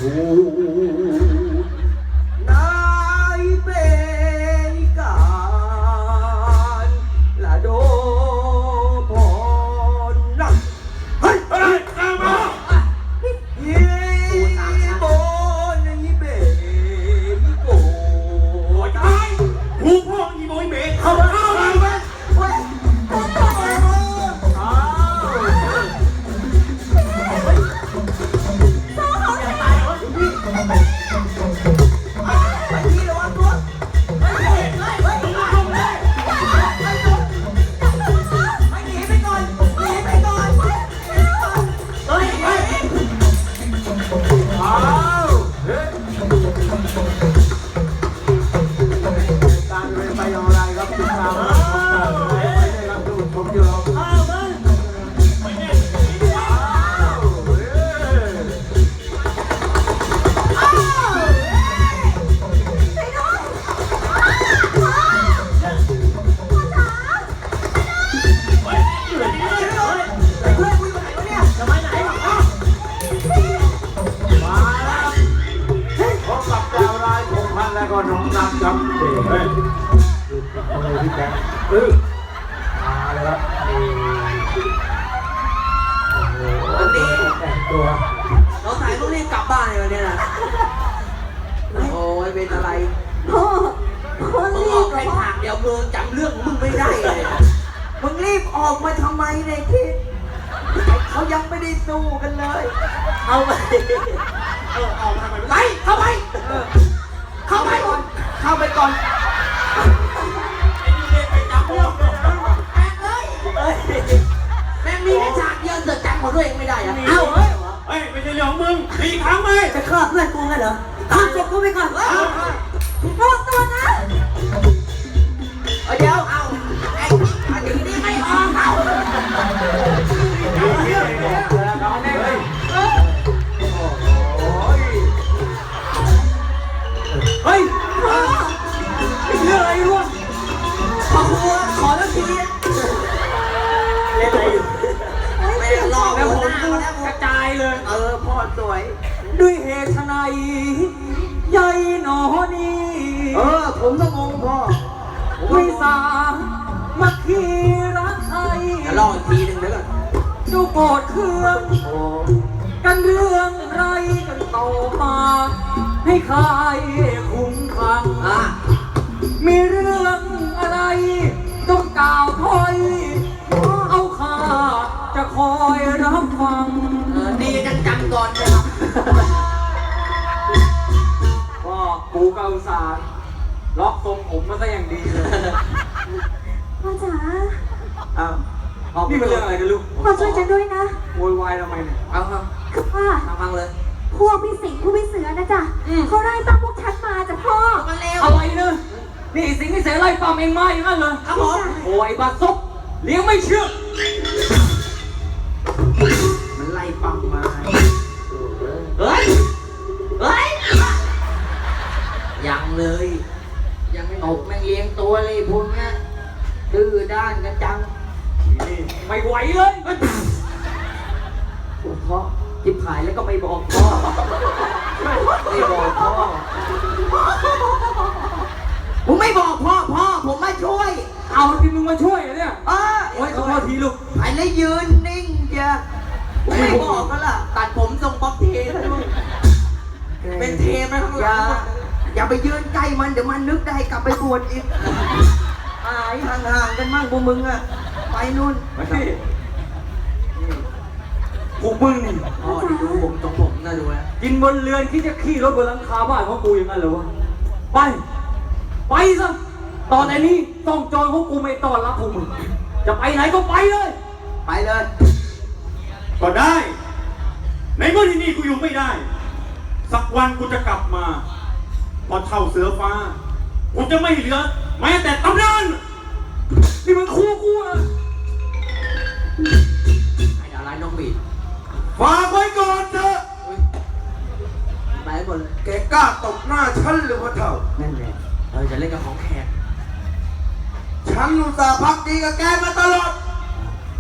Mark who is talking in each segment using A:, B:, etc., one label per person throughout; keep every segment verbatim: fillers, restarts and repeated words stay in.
A: ดูนายเป็นการละโดพรนักเฮ้ยเฮ้ยตามมายี่โบนยี่เบยี่โกตายหูพ่อยี่โบยี่เบเข้ามาเข้ามาเฮ้ยแล้วก็น้องน้ำครับเฮ้ยดูอะไรพี่แจ๊คเออมาเลยครับโอ้โหวันนี้แต่งตัวเราถ่ายต้องรีบกลับบ้านเลยวันนี้นะโอ้ยเป็นอะไรพ่อพ่อรีบไปฉากเดี๋ยวมึงจำเรื่องมึงไม่ได้เลยมึงรีบออกมาทำไมเนี่ยคิดเขายังไม่ได้สู้กันเลยเอาไปเออออกมาทำไมไปเข้าไปเข้าไปก่อนเข้าไปก่อนไปจับพวกแม่เลยแม่มีแค่ฉากเดียวเสือกจำของตัวเองไม่ได้อะเอ้าเฮ้ยเฮ้ยไม่ใช่เรื่องของมึงตีครั้งไหมจะฆ่าเพื่อนกูไงเหรอฆ่าเจ็บกูไปก่อนระวังตัวนะเดี๋ยวเอาไอ้อันนี้นี่ไม่ออกเอาเฮ้ยนี่คืออะไรวะขอหัวขอแล้วทีเล่นอะไรอยู่ไม่ได้รอแล้วผมกระจายเลยเออพ่อสวยด้วยเหตุไฉนใหญ่หนอนี่เออผมต้องงงพ่อวิสามัคคีรักไทยจะลองอีกทีหนึ่งเดี๋ยวก่อนดูโกรธเครื่องกันเรื่องไรกันต่อมาให้ใครคุ้มคลังมีเรื่องอะไรต้องกล่าวถ้อยเอาข้าจะคอยรับฟังดีจังจำก่อนนะครับก็กูเกาสารล็อกทรงผมมาซะอย่างดีเลย
B: พ่อจ๋า
A: อ้าวนี่เป็นเรื่องอะไรกันลูก
B: พ่อช่วยฉันด้วยนะ
A: โวยวายทำไมเนี่ยเอาครับ
B: คือว่า
A: ฟังเลย
B: พวกพี่สิงห์ผู้พี่เสือนะจ๊ะเขาไล่ตามพวกฉันมาจ้ะพ่อ
A: อะไรเนี่ยนี่สิงห์พี่เสือไล่ตามเองมาอย่างนั้นเลยครับผมโอ้ยบาซบเลี้ยงไม่เชื่อมันไล่ปั๊มมาเฮ้ยเฮ้ยยังเลยยังไม่ตกแม่งเลี้ยงตัวเลยพวกนี้ดื้อด้านกันจังไม่ไหวเลยพ่อจิบหายแล้วก็ไม่บอกพ่อไม่บอกพ่อผมไม่บอกพ่อพ่อผมมาช่วยเอาที่มึงมาช่วยเนี่ยเออโอ้ยขอโทษทีลูกไอ้เลยยืนนิ่งเจ้าผมไม่บอกก็ล่ะตัดผมทรงป๊อปเทนะลูกเป็นเทไปข้างหลังอย่าไปยืนใกล้มันเดี๋ยวมันนึกได้กลับไปบวชอีกหายห่างๆกันมั่งพวกมึงอะไปนู่นพวกมึงนี่อ๋อดูผมตรงผมน่าดูนะกินบนเรือนคิดจะขี่รถบนหลังคาบ้านของกูอย่างนั้นเหรอวะไปไปซะตอนนี้ต้องจอยของกูไม่ต้อนรับพวกมึงจะไปไหนก็ไปเลยไปเลย
C: ก็ได้ในเมื่อที่นี่กูอยู่ไม่ได้สักวันกูจะกลับมาพอเท่าเสือฟ้ากูจะไม่เหลือแม้แต่ตำนานนี่มันคู่กูอะ
A: ไอ้ดาราน้องบีด
C: ฝากไว้ก่อนเถอะ
A: ไปหมดเลย
C: แกกล้าตบหน้าฉันหรือว่าเท่า
A: นั่นแหละเราจะเล่นกับของแขก
C: ฉันอุตส่าห์พักดีกับแกมาตลอด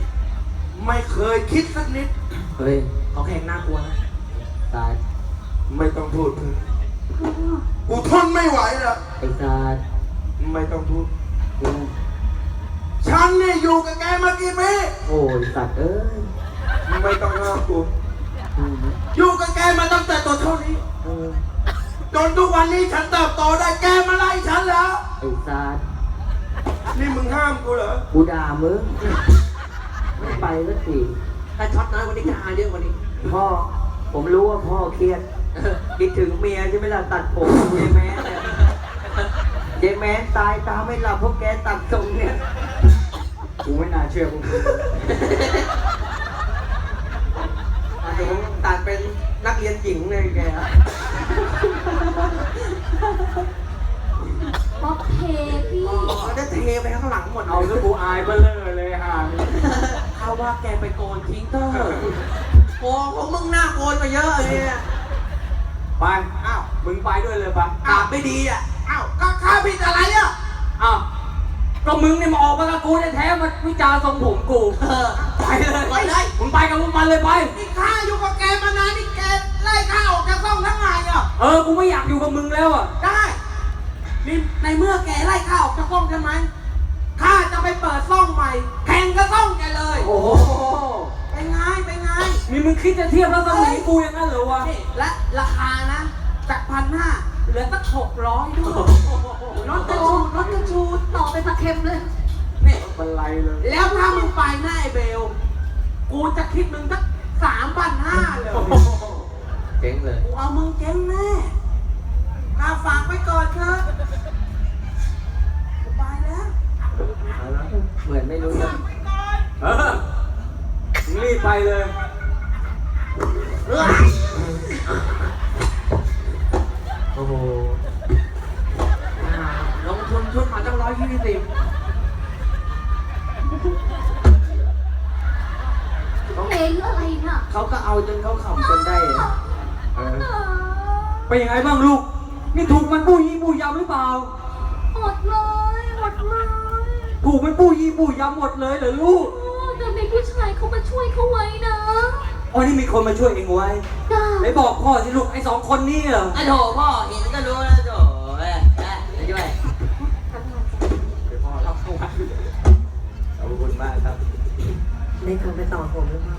C: ไม่เคยคิดสักนิด
A: เฮ้ยของแขกน่ากลัวนะตาย
D: ไม่ต้องพูดเถอะ
B: พ่อ
D: กูทนไม่ไหวแล้ว
A: ไอ้สัตว์
D: ไม่ต้องพูดฉันเนี่ยอยู่กับแกมากี่ปี
A: โอ้ยสัตว์เอ้ย
D: ไม่ต้องห้ามกู
A: อืม
D: อยู่กับแกมาตั้งแต่ตัวเท่านี้
A: เออ
D: จนทุกวันนี้ฉันเติบโตได้แกมาไล่ฉันแล้ว
A: ไอ้สัตว์
D: นี่มึงห้ามกูเหรอ
A: กูด่ามึงไม่ไปสักที
E: ถ้าช็อตน้อยวันนี้จะหาเรื่องวันนี้
A: พ่อ ผมรู้ว่าพ่อเครียดคิดถึงเมียใช่ไหมล่ะตัดผมเยแม้เนี่ยเยแม้ตายตาไม่หลับเพราะแกตัดทรงเนี่ยกูไม่น่าเชื่อมึง
E: อาจจะผมตัดเป็นนักเรียนหญิงเลยแก
B: ป๊อปเพพี่
E: อ๋อได้เทไปข้างหลังหมด
A: เอาซะกูอายเบ้อเลยเลยฮะ
E: เขาว่าแกไปโกนทิ้งเตอร์โกนของมึงหน้าโกนมาเยอะเลยเนี่ย
A: ไป
E: อ้าว
A: มึงไปด้วยเลยปะ
E: อาบไม่ดีอ่ะ อ้าวก็ข้าผิดอะไรอ่ะ
A: อ้าวก็มึงเนี่ยมาออกมากับกูแท้ๆมาวิจารณ์ทรงผมกู
E: เออ
A: ไปเลย
E: ไปเลย
A: มึงไปกับพวกมันเลยไป
E: นี่ข้าอยู่กับแกมานานนี่แกไล่ข้าออกจากห้องทั้งไงอ่ะ
A: เออ กูไม่อยากอยู่กับมึงแล้วอ่ะ
E: ได้นี่ในเมื่อแกไล่ข้าออกจากห้องใช่ไหมข้าจะไปเปิดซ่องใหม่ แข่งกับซ่องแกเลย
A: โอ้โห
E: เป็นไงเป็นไง
A: นี่มึงคิดจะเทียบแล้วสมัยกูอย่างนั้นเหรอวะ
E: นี่และราคานะจากพันห้าเหลือสักหกร้อยด้วยรถกระชูดรถกระชูด
B: ต่อไปผักเค็มเลย
E: นี่
A: มันไรเลย
E: แล้วถ้ามึงไปหน้าไอเบล กูจะคิดมึงสักสามพันห้าเลย
A: เจ๊งเลย
E: กูเอามึงเจ๊งแน่ข้าฝากไว้ก่อนเถอะกูไปแล้ว
A: เหมือนไม่รู้เรื่องเออมึงรีบไปเลย
E: เออ
A: โอ้โห
E: อ่าลงทุนชุดมาตั้งร้อยยี่สิบ
B: เพลงอะไรน่ะ
A: เขาก็เอาจนเขาขำจนได้อะเออเป็นยังไงบ้างลูก นี่ถูกมันปู้ยี่ปู้ยำหรือเปล่า
B: หมดเลยหมดเลย
A: ถูกมันปู้ยี่ปู้ยำหมดเลยเหรอลูก
B: โอ้แต่มีผู้ชายเขามาช่วยเขาไว้นะ
A: อ๋อนี่มีคนมาช่วยเองไว้
B: จ้า
A: ไหนบอกพ่อสิลูกไอ้สองคนนี่เหรอ
E: ไอ้โถพ่อเห็นก็รู้แล้วโถเอ้ยเอ้ยไปช่วย
A: พ่อรับเข้ามาขอบคุณมากครับ
E: ได้โทรไปต่อผมหรือเปล่า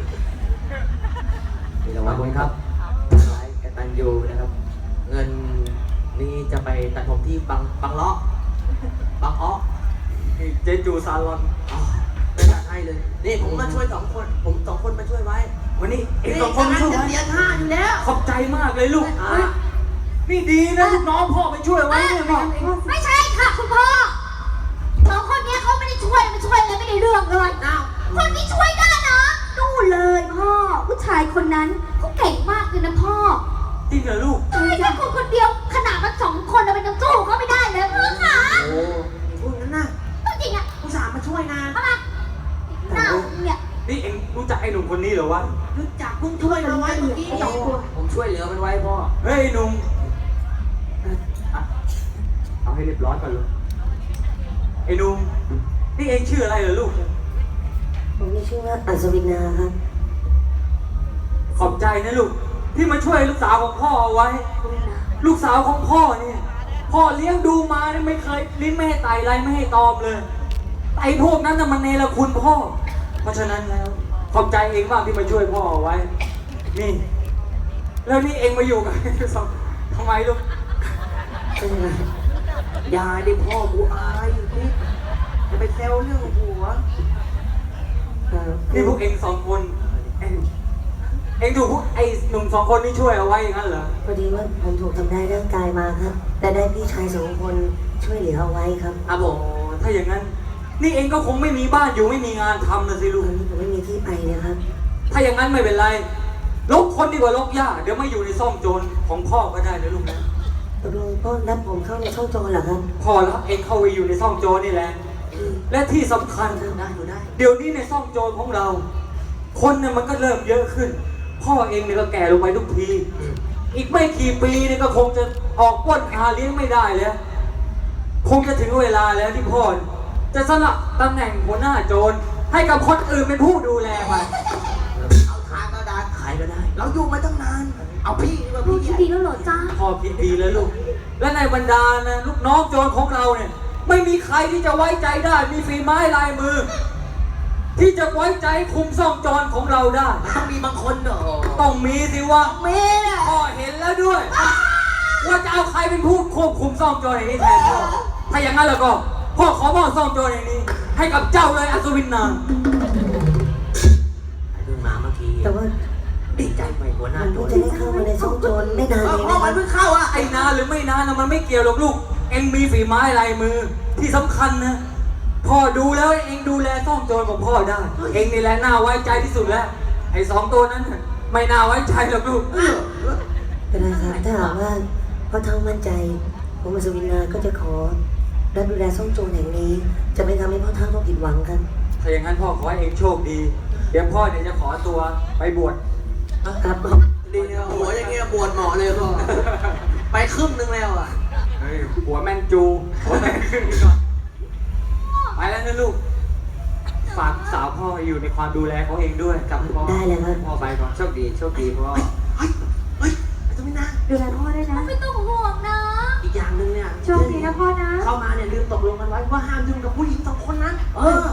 A: มีรางวัลครับไลฟ์กตันยูนะครับ
E: เงินนี่จะไปตัดผมที่บางบางเลาะบางอ้อ
A: เจจูซาลอน
E: อ๋อไปตัดให้เลย นี่ผมมาช่วยสองคน ผมสองคนมาช่วยไว้
A: วันนี้เองสองคนมาช่วย
E: จะ
A: ไว้
E: เสียค่าอยู่แล้ว
A: ขอบใจมากเลยลูก
E: อ่า
A: เฮ้ยนี่ดีนะลูกน้องพ่อไปช่วยไว้เนี่ยพ่อ
B: ไม่ใช่ค่ะคุณพ่อสองคนเนี้ยเขาไม่ได้ช่วยไม่ช่วยเลยไม่ได้เรื่องเลย
E: อ้าว
B: คนที่ช่วยได้นะนู่นเลยพ่อ ผู้ชายคนนั้นเขาเก่งมากเลยนะพ่อ
A: จริงเหรอลูก
B: ใช่แค่คนคนเดียวขนาดมันสองคนเราเป็นยังสู้เขาไม่ได้เลยพ่อค่ะ
A: โอ้
E: พูดงั้นนะ
B: จริงอ่ะ
E: ผู้สาวมาช่วยนะ
B: เอามาหน้าเนี่ย
A: นี่เองรู้จักไอ้หนุ่มคนนี้เหรอวะ
E: รู้จักเพิ่งช่วยมาไว้เมื่อกี้นี่
A: ผมช่วยเหลือมันไว้พ่อ เฮ้ยหนุ่มอ่ะเอาให้เรียบร้อยก่อนลูกไอ้หนุ่มนี่เองชื่ออะไรเหรอลูก
F: ผมมีชื่อว่าอัศวินาครับ
A: ขอบใจนะลูก ที่มาช่วยลูกสาวของพ่อเอาไว้ ลูกสาวของพ่อเนี่ยพ่อเลี้ยงดูมาเนี่ยไม่เคยลิ้นไม่ให้ไตไรไม่ให้ตอมเลยไอ้พวกนั้นน่ะมันเนรคุณพ่อ เพราะฉะนั้นแล้ว ขอบใจเองมากที่มาช่วยพ่อเอาไว้ นี่ แล้วนี่เองมาอยู่กับ ทำไมลูก
E: ยายได้พ่อกูอายอยู่ที่จะไปแซวเรื่องหัว
A: นี่พวกเองสองคน เองเองถูกพวกไอ้หนุ่มสองคนนี่ช่วยเอาไว้อย่างนั้นเหรอ
F: พอดีว่าผมถูกทำร้ายร่างกายมาครับ แต่ได้พี่ชายสองคนช่วยเหลือเอาไว้ครับ
E: ครับผ
A: โอ้
E: ม
A: ถ้าอย่างนั้น นี่เองก็คงไม่มีบ้านอยู่ไม่มีงานทำนะสิ
F: ต
A: ลู
F: อก นนี้ผมไม่มีที่ไปนะครับ
A: ถ้าอย่างนั้นไม่เป็นไร ลบคนดีกว่าลบหญ้า เดี๋ยวมาอยู่ในซ่องโจรของพ่อก็ได้นะลูกนะ
F: ตกลงพ่อรับผมเข้าในช่องโจรเหรอครับ
A: พ่อรับเองเข้าไปอยู่ในซ่องโจรนี่แหละ และที่สำคัญ
E: ได้อยู่ได้
A: เดี๋ยวนี้ในซ่องโจรของเรา คนเนี่ยมันก็เริ่มเยอะขึ้น พ่อเองเนี่ยก็แก่ลงไปทุกที อีกไม่กี่ปีเนี่ยก็คงจะออกปล้นหาเลี้ยงไม่ได้แล้ว คงจะถึงเวลาแล้วที่พ่อจะสละตำแหน่งหัวหน้าโจรให้กับคนอื่นเป็นผู้ดูแลมัน
E: เอาทางก็ได้ขายก็ได้เราอยู่มาตั้งนาน เอาพี่ดีกว่า
B: ลูก
E: พี่
B: คิดดีแล้วเหรอจ้า
A: พ่อคิดดีแล้วลูก และในบรรดานะลูกน้องโจรของเราเนี่ย ไม่มีใครที่จะไว้ใจได้ มีฝีไม้ลายมือ ที่จะไว้ใจคุมซ่องโจรของเราได้
E: ต้องมีบางคนเหรอ
A: ต้องมีสิวะ
E: เมย์
A: พ่อเห็นแล้วด้วย ว่าจะเอาใครเป็นผู้ควบคุมซ่องโจรแห่งนี้แทนพ่อถ้าอย่างนั้นแล้วก็พ่อขอมอบซ่องโจรแห่งนี้ ให้กับเจ้าเลยอัศวินนาง
E: เพิ่งมาเมื่อกี้
F: แต่ว่า
E: ดีใจไปหัวหน้า
F: มัน
E: โจ
F: เพิ่ง
E: ร
F: จะได้เข้ามาในช่องโจรไม่นาน
E: เอ
F: เอ
E: อง พ่อ
F: นะค
E: มั
F: รั
E: น
F: บ
E: เพิ่งเข้าอ่ะ
A: ไอ้นานหรือไม่นานนะมันไม่เกี่ยวหรอกลูก เอ็งมีฝีไม้ลายมือ ที่สำคัญนะ พ่อดูแล้วเอ็งดูแลซ่องโจรของพ่อได้ เอ็งนี่แหละน่าไว้ใจที่สุดแล้ว ไอ้สองตัวนั้นน่ะไม่น่าไว้ใจหรอกลูก
E: เออ
F: ก็ได้ครับถ้าหากว่าพ่อเท่ามั่นใจผมอัศวินนาก็จะขอรับดูแลช่องโจรแห่งนี้ จะไม่ทำให้พ่อเท่าต้องผิดหวังกัน
A: ถ้าอย่างนั้นพ่อขอให้เอ็งโชคดี เดี๋ยวพ่อเนี่ยจะขอตัวไปบวช
F: ครับ
E: ดีนะหัวอย่างเงี้ยปวดหมอเลยพ่อ ไปครึ่งนึงแล้วอ่ะ
A: เฮ้ยหัวแม่นจูหัวแม่นขึ้นก่อนไปแล้วนะลูก ฝากสาวพ่ออยู่ในความดูแลของเองด้วยกับพ่อ
F: ได้เลยครับ
A: พ่อไปก่อนโชคดีโชคดีพ่อ
E: เฮ้ย เฮ้ยไอ้ตัวนี้นะ
B: ดูแลพ่อด้วยนะ ไม่ต้องห่วงนะ
E: อีกอย่างหนึ่งเนี่ย
B: โชคดีนะพ่อนะ
E: เข้ามาเนี่ยลืมตกลงกันไว้ว่าห้ามยุ่งกับผู้หญิงสองคนนั้น เออ